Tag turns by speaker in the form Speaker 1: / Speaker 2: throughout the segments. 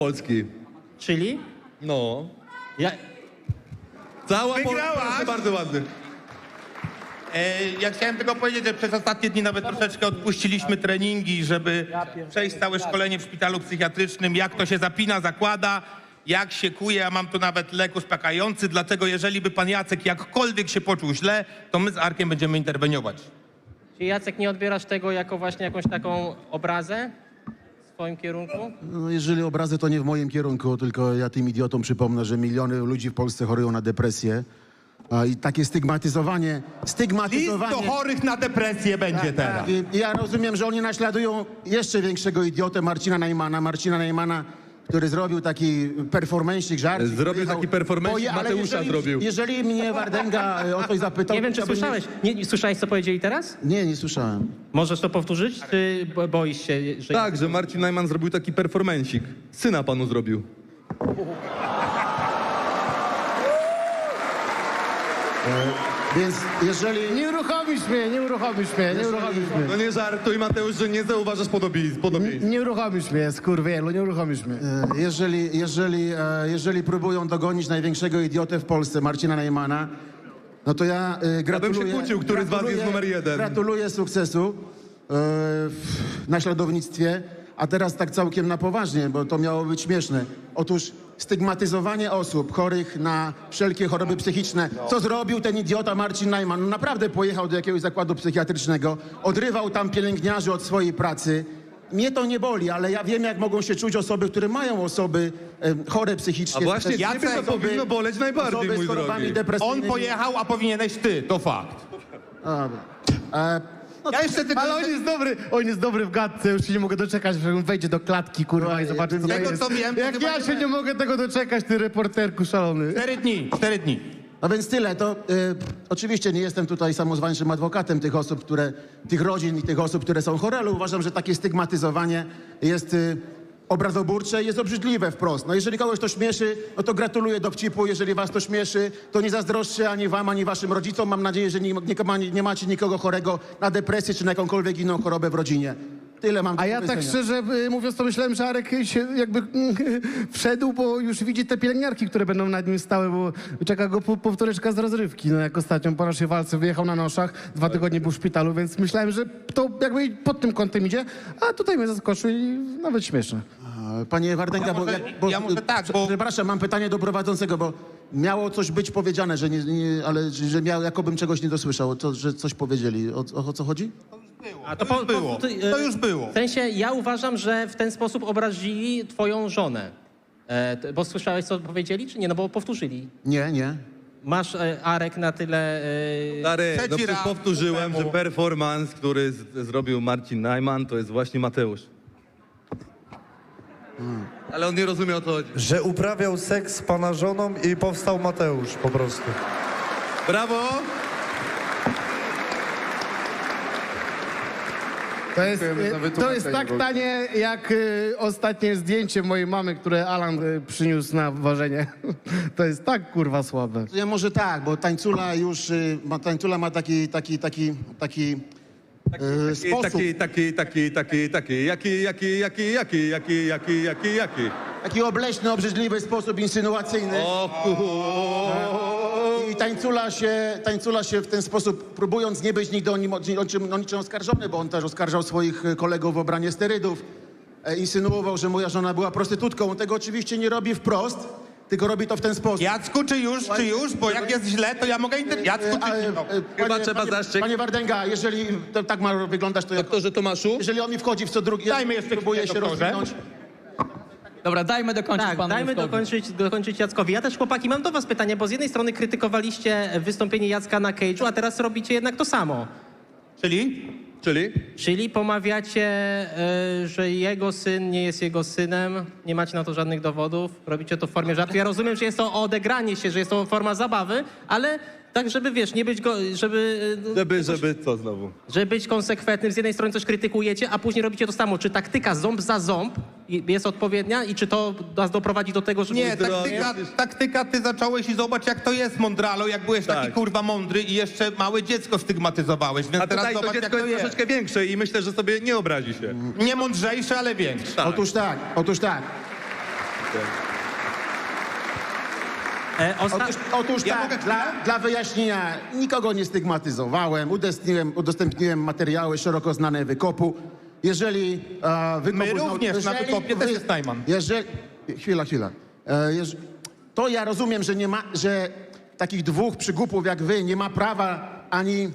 Speaker 1: Polski.
Speaker 2: Czyli?
Speaker 1: No.
Speaker 2: Ja...
Speaker 1: Cała
Speaker 3: Wygrałaś!
Speaker 1: Polska, bardzo ładny.
Speaker 3: Ja chciałem tylko powiedzieć, że przez ostatnie dni nawet troszeczkę odpuściliśmy treningi, żeby przejść całe szkolenie w szpitalu psychiatrycznym, jak to się zapina, zakłada, jak się kuje. Ja mam tu nawet lek uspokajający, dlatego jeżeli by pan Jacek jakkolwiek się poczuł źle, to my z Arkiem będziemy interweniować.
Speaker 2: Czy Jacek nie odbierasz tego jako właśnie jakąś taką obrazę w swoim kierunku?
Speaker 4: No, jeżeli obrazy, to nie w moim kierunku, tylko ja tym idiotom przypomnę, że miliony ludzi w Polsce chorują na depresję. I takie stygmatyzowanie...
Speaker 3: List do chorych na depresję będzie teraz.
Speaker 4: I ja rozumiem, że oni naśladują jeszcze większego idiotę Marcina Najmana, który zrobił taki performancik, żart.
Speaker 1: Zrobił taki performancik,
Speaker 4: ale
Speaker 1: Mateusza zrobił.
Speaker 4: Jeżeli mnie Wardęga o coś zapytał...
Speaker 2: Nie wiem, czy
Speaker 4: to bym-
Speaker 2: słyszałeś. Nie słyszałeś, co powiedzieli teraz?
Speaker 4: Nie słyszałem.
Speaker 2: Możesz to powtórzyć, czy boisz się, że...
Speaker 1: Tak, że Marcin Najman zrobił taki performancik. Syna panu zrobił.
Speaker 4: Więc jeżeli...
Speaker 5: Nie uruchomisz mnie.
Speaker 1: No nie żartuj, Mateusz, że nie zauważasz podobieństw.
Speaker 5: Nie uruchomisz mnie, skurwielu, nie uruchomisz mnie.
Speaker 4: Jeżeli próbują dogonić największego idiotę w Polsce, Marcina Najmana, no to ja gratuluję...
Speaker 1: się kłócił, który z was jest numer 1.
Speaker 4: Gratuluję sukcesu w naśladownictwie, a teraz tak całkiem na poważnie, bo to miało być śmieszne. Otóż stygmatyzowanie osób chorych na wszelkie choroby psychiczne. Co zrobił ten idiota Marcin Najman? No naprawdę pojechał do jakiegoś zakładu psychiatrycznego, odrywał tam pielęgniarzy od swojej pracy. Mnie to nie boli, ale ja wiem, jak mogą się czuć osoby, które mają osoby chore psychicznie.
Speaker 1: A właśnie
Speaker 3: Jacek,
Speaker 1: ciebie to powinno boleć najbardziej,
Speaker 4: osoby
Speaker 1: mój
Speaker 4: z chorobami
Speaker 1: drogi.
Speaker 4: depresyjnymi.
Speaker 3: On pojechał, a powinieneś ty, to fakt.
Speaker 4: Dobra.
Speaker 3: Ja jeszcze tylko...
Speaker 5: Ale on jest dobry w gadce, już się nie mogę doczekać, że on wejdzie do klatki, kurwa, i zobaczy, co to
Speaker 3: tego,
Speaker 5: jest.
Speaker 3: co wiem, to
Speaker 5: Jak
Speaker 3: chyba
Speaker 5: ja
Speaker 3: nie
Speaker 5: się nie mogę tego doczekać, ty reporterku szalony.
Speaker 3: 4 dni.
Speaker 4: No więc tyle, to oczywiście nie jestem tutaj samozwańczym adwokatem tych rodzin i tych osób, które są chore, ale uważam, że takie stygmatyzowanie jest obrazoburcze i jest obrzydliwe wprost. No jeżeli kogoś to śmieszy, no to gratuluję dowcipu, jeżeli was to śmieszy, to nie zazdroszczę ani wam, ani waszym rodzicom. Mam nadzieję, że nie macie nikogo chorego na depresję czy na jakąkolwiek inną chorobę w rodzinie. Tyle mam do
Speaker 5: A ja tak
Speaker 4: powiedzenia.
Speaker 5: szczerze mówiąc, to myślałem, że Arek się jakby wszedł, bo już widzi te pielęgniarki, które będą nad nim stały, bo czeka go powtóreczka z rozrywki. No jak ostatnio po naszej walce wyjechał na noszach, 2 tygodnie był w szpitalu, więc myślałem, że to jakby pod tym kątem idzie, a tutaj mnie zaskoczył i nawet śmieszne.
Speaker 4: Panie Wardęga,
Speaker 3: Ja może tak, bo...
Speaker 4: Przepraszam, mam pytanie do prowadzącego, bo miało coś być powiedziane, że że jakobym czegoś nie dosłyszał, że coś powiedzieli. O co chodzi?
Speaker 2: A to
Speaker 3: było. To już było.
Speaker 2: W sensie, ja uważam, że w ten sposób obrazili twoją żonę. Bo słyszałeś, co powiedzieli, czy nie? No bo powtórzyli.
Speaker 4: Nie.
Speaker 2: Masz, Arek, na tyle...
Speaker 1: Stary, no
Speaker 3: Trzeci
Speaker 1: przecież
Speaker 3: raz
Speaker 1: powtórzyłem,
Speaker 3: temu.
Speaker 1: że performance, który zrobił Marcin Najman, to jest właśnie Mateusz. Ale on nie rozumie, o co chodzi.
Speaker 6: Że uprawiał seks z pana żoną i powstał Mateusz po prostu.
Speaker 1: Brawo!
Speaker 5: To jest tak tanie, jak ostatnie zdjęcie mojej mamy, które Alan przyniósł na ważenie. To jest tak kurwa słabe.
Speaker 4: Ja może tak, bo tańcula już, tańcula ma taki sposób,
Speaker 1: Jaki.
Speaker 4: taki obleśny, obrzydliwy sposób insynuacyjny. I tańcula się w ten sposób, próbując nie być nigdy o niczym oskarżony, bo on też oskarżał swoich kolegów o obranie sterydów, insynuował, że moja żona była prostytutką. On tego oczywiście nie robi wprost, tylko robi to w ten sposób.
Speaker 3: Jacku, czy już? Bo jak jest źle, to ja mogę interweniować. Jacku, czy nie? No.
Speaker 1: Chyba trzeba zaszczek.
Speaker 4: Panie Wardęga, jeżeli to tak ma wyglądać, to ja...
Speaker 1: Doktorze Tomaszu?
Speaker 4: Jeżeli on mi wchodzi w co drugi,
Speaker 3: Dajmy jeszcze
Speaker 4: próbuję
Speaker 3: chwilę,
Speaker 4: się
Speaker 3: doktorze.
Speaker 4: rozwinąć.
Speaker 7: Dobra, dajmy dokończyć
Speaker 2: Tak,
Speaker 7: panu
Speaker 2: dajmy
Speaker 7: Jackowi.
Speaker 2: dokończyć Jackowi. Ja też, chłopaki, mam do was pytanie, bo z jednej strony krytykowaliście wystąpienie Jacka na Cage'u, a teraz robicie jednak to samo. Czyli pomawiacie, że jego syn nie jest jego synem, nie macie na to żadnych dowodów, robicie to w formie żartu. Ja rozumiem, że jest to odegranie się, że jest to forma zabawy, ale tak, żeby, wiesz, nie być
Speaker 1: Żeby co znowu?
Speaker 2: żeby być konsekwentnym. Z jednej strony coś krytykujecie, a później robicie to samo. Czy taktyka ząb za ząb jest odpowiednia i czy to nas doprowadzi do tego, że...
Speaker 3: Nie, taktyka, ty zacząłeś i zobacz, jak to jest, mądralo, jak byłeś taki
Speaker 1: Tak.
Speaker 3: kurwa mądry i jeszcze małe dziecko stygmatyzowałeś, więc
Speaker 1: A
Speaker 3: teraz
Speaker 1: tutaj to
Speaker 3: zobacz, jak
Speaker 1: dziecko
Speaker 3: to
Speaker 1: jest
Speaker 3: jest.
Speaker 1: troszeczkę większe i myślę, że sobie nie obrazi się.
Speaker 3: Nie mądrzejsze, ale większe.
Speaker 4: Otóż tak. Otóż
Speaker 3: Ja
Speaker 4: tak,
Speaker 3: mogę
Speaker 4: dla wyjaśnienia, nikogo nie stygmatyzowałem, udostępniłem materiały szeroko znane wykopu. Jeżeli wykopu...
Speaker 3: My również na wykopie też jest Najman.
Speaker 4: Chwila. To ja rozumiem, że takich dwóch przygupów jak wy nie ma prawa ani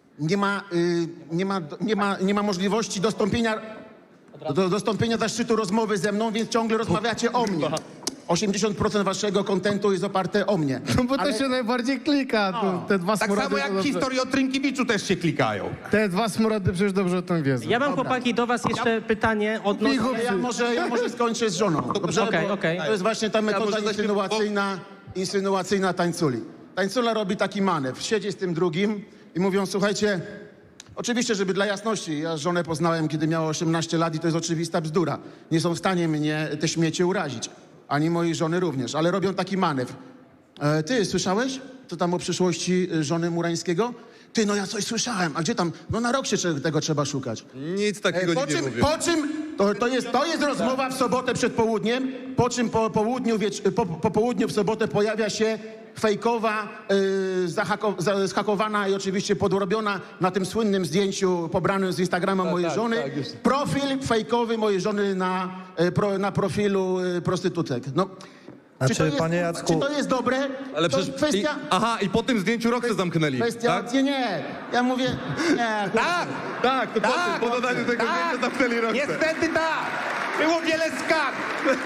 Speaker 4: nie ma możliwości dostąpienia zaszczytu rozmowy ze mną, więc ciągle rozmawiacie o mnie. 80% waszego kontentu jest oparte o mnie.
Speaker 5: No bo to się najbardziej klika, te dwa
Speaker 3: Tak
Speaker 5: smurody.
Speaker 3: samo jak
Speaker 5: to dobrze.
Speaker 3: historie o Trynkiewiczu też się klikają.
Speaker 5: Te dwa smurody przecież dobrze o tym wiedzą.
Speaker 2: Ja mam, chłopaki, do was jeszcze pytanie odnośnie...
Speaker 4: Ja może skończę z żoną. Dobrze?
Speaker 2: Okej,
Speaker 4: Bo
Speaker 2: okej.
Speaker 4: To jest właśnie ta metoda insynuacyjna tańculi. Tańcula robi taki manewr. Siedzi z tym drugim i mówią, słuchajcie, oczywiście, żeby dla jasności, ja żonę poznałem, kiedy miała 18 lat i to jest oczywista bzdura. Nie są w stanie mnie te śmiecie urazić. Ani mojej żony również, ale robią taki manewr. Ty, słyszałeś? Co tam o przyszłości żony Murańskiego? Ty, no ja coś słyszałem. A gdzie tam? No na rok się tego trzeba szukać.
Speaker 1: Nic takiego nie mówię.
Speaker 4: Po czym to jest rozmowa w sobotę przed południem, po czym po południu w sobotę pojawia się fejkowa, zhakowana i oczywiście podrobiona na tym słynnym zdjęciu pobranym z Instagrama mojej żony. Profil fejkowy mojej żony na profilu prostytutek. No,
Speaker 6: Znaczy, panie Jacku...
Speaker 4: czy to jest dobre?
Speaker 1: Ale
Speaker 4: to
Speaker 1: przecież...
Speaker 4: kwestia...
Speaker 1: I po tym zdjęciu rok się zamknęli,
Speaker 4: Kwestia,
Speaker 1: tak?
Speaker 4: nie. Ja mówię, nie.
Speaker 1: Tak, to po dodaniu tego zdjęcia zamknęli rok.
Speaker 3: Niestety tak! Było wiele skarg!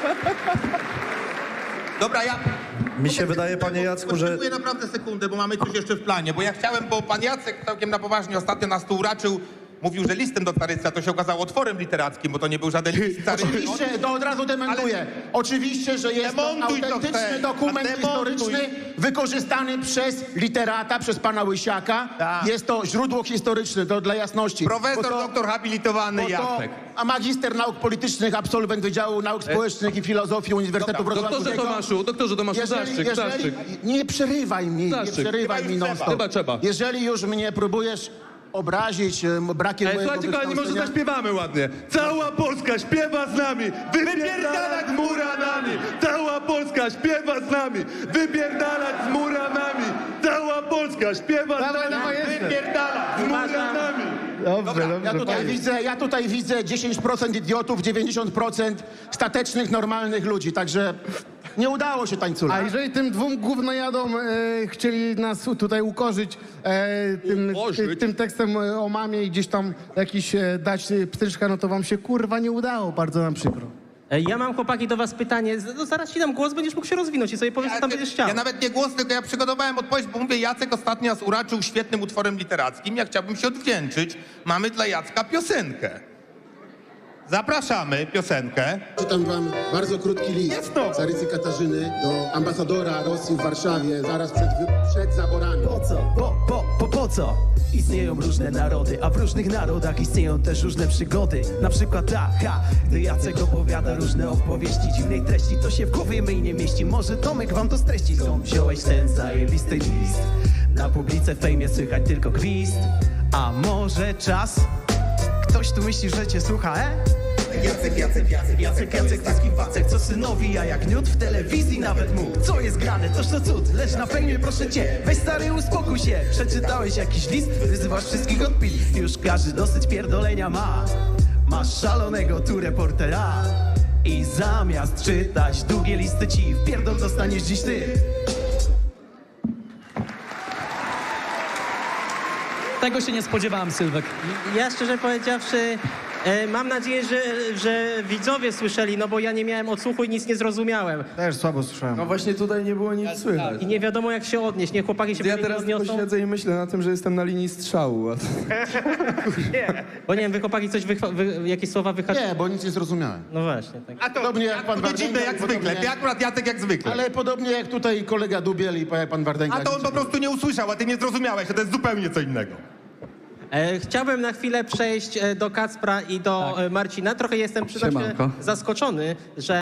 Speaker 3: Dobra,
Speaker 6: Mi się wydaje, panie Jacku, że...
Speaker 3: Potrzebuję naprawdę sekundę, bo mamy coś jeszcze w planie. Bo ja chciałem, bo pan Jacek całkiem na poważnie ostatnio nas tu uraczył. Mówił, że listem do Carycy, a to się okazało otworem literackim, bo to nie był żaden list Carycy.
Speaker 4: Oczywiście, to od razu dementuję. Oczywiście, że jest to
Speaker 3: Demontuj to
Speaker 4: autentyczny
Speaker 3: chcę.
Speaker 4: dokument
Speaker 3: A demontuj.
Speaker 4: historyczny wykorzystany przez literata, przez pana Łysiaka.
Speaker 3: Tak.
Speaker 4: Jest to źródło historyczne, to dla jasności.
Speaker 3: Profesor,
Speaker 4: Bo to-
Speaker 3: doktor habilitowany
Speaker 4: bo to-
Speaker 3: Jacek.
Speaker 4: A magister nauk politycznych, absolwent Wydziału Nauk Społecznych i Filozofii Uniwersytetu Wrocławskiego.
Speaker 1: Doktorze Tomaszu, zaszczyt.
Speaker 4: Nie przerywaj mi,
Speaker 1: Zaszczyt.
Speaker 4: nie przerywaj
Speaker 3: Chyba
Speaker 4: mi
Speaker 3: już
Speaker 4: non-stop.
Speaker 1: Chyba trzeba.
Speaker 4: Jeżeli już mnie próbujesz obrazić brakiem mojego
Speaker 1: Słuchajcie, kochani, może
Speaker 4: wykształcenia-
Speaker 1: zaśpiewamy ładnie. Cała Polska śpiewa z nami, wypierdalać z Muranami. Cała Polska śpiewa z nami, wypierdalać z Muranami. Cała Polska śpiewa z
Speaker 5: Dawaj,
Speaker 1: nami,
Speaker 5: jestem.
Speaker 1: wypierdalać z Muranami.
Speaker 5: Dobrze,
Speaker 4: Ja tutaj widzę 10% idiotów, 90% statecznych, normalnych ludzi, także nie udało się tańcula.
Speaker 5: A jeżeli tym dwóm gównojadom chcieli nas tutaj ukorzyć tym tekstem o mamie i gdzieś tam jakiś dać pstryczka, no to wam się kurwa nie udało, bardzo nam przykro.
Speaker 2: Ja mam, chłopaki, do was pytanie. No, zaraz ci dam głos, będziesz mógł się rozwinąć i sobie powiesz, co tam będziesz chciał.
Speaker 3: Ja nawet nie głos, tylko ja przygotowałem odpowiedź, bo mówię, Jacek ostatnio nas uraczył świetnym utworem literackim. Ja chciałbym się odwdzięczyć. Mamy dla Jacka piosenkę. Zapraszamy piosenkę.
Speaker 4: Czytam wam bardzo krótki list Carycy Katarzyny do ambasadora Rosji w Warszawie zaraz przed zaborami.
Speaker 8: Po co? Po co? Istnieją różne narody, a w różnych narodach istnieją też różne przygody. Na przykład gdy Jacek opowiada różne opowieści dziwnej treści, to się w głowie mej nie mieści. Może Tomek wam to streści. Skąd wziąłeś ten zajebisty list? Na publice w fejmie słychać tylko gwizd. A może czas? Ktoś tu myśli, że cię słucha, Jacek, tyski Wacek, co synowi, a jak niut w telewizji nawet mógł. Co jest grane, toż to cud, lecz na fejmie proszę cię, weź stary uspokój się. Przeczytałeś jakiś list, wyzywasz wszystkich od pili. Już każdy dosyć pierdolenia ma. Masz szalonego tu reportera i zamiast czytać długie listy ci wpierdol dostaniesz dziś ty.
Speaker 7: Tego się nie spodziewałem, Sylwek.
Speaker 2: Ja szczerze powiedziawszy, mam nadzieję, że widzowie słyszeli, no bo ja nie miałem odsłuchu i nic nie zrozumiałem.
Speaker 5: Też słabo słyszałem.
Speaker 9: No właśnie tutaj nie było nic słychać.
Speaker 2: I nie wiadomo, jak się odnieść. Niech chłopaki się
Speaker 9: Ja
Speaker 2: powinni
Speaker 9: teraz tylko
Speaker 2: odniosą.
Speaker 9: siedzę i myślę na tym, że jestem na linii strzału.
Speaker 2: Bo nie wiem, wy chłopaki coś jakieś słowa wyhaczyli.
Speaker 4: Nie, bo nic nie zrozumiałem.
Speaker 2: No właśnie, tak.
Speaker 3: A to
Speaker 4: Podobnie jak pan
Speaker 3: dziwne
Speaker 4: Wardęga,
Speaker 3: jak
Speaker 4: podobnie
Speaker 3: zwykle.
Speaker 4: jak-
Speaker 3: Ty akurat Jacek jak zwykle.
Speaker 4: Ale podobnie jak tutaj kolega Dubiel i pan Wardęga.
Speaker 3: A to on po prostu nie usłyszał, a ty nie zrozumiałeś, a to jest zupełnie co innego.
Speaker 2: Chciałbym na chwilę przejść do Kacpra i do Marcina. Trochę jestem, przyznam się,
Speaker 7: Siemanko.
Speaker 2: zaskoczony, że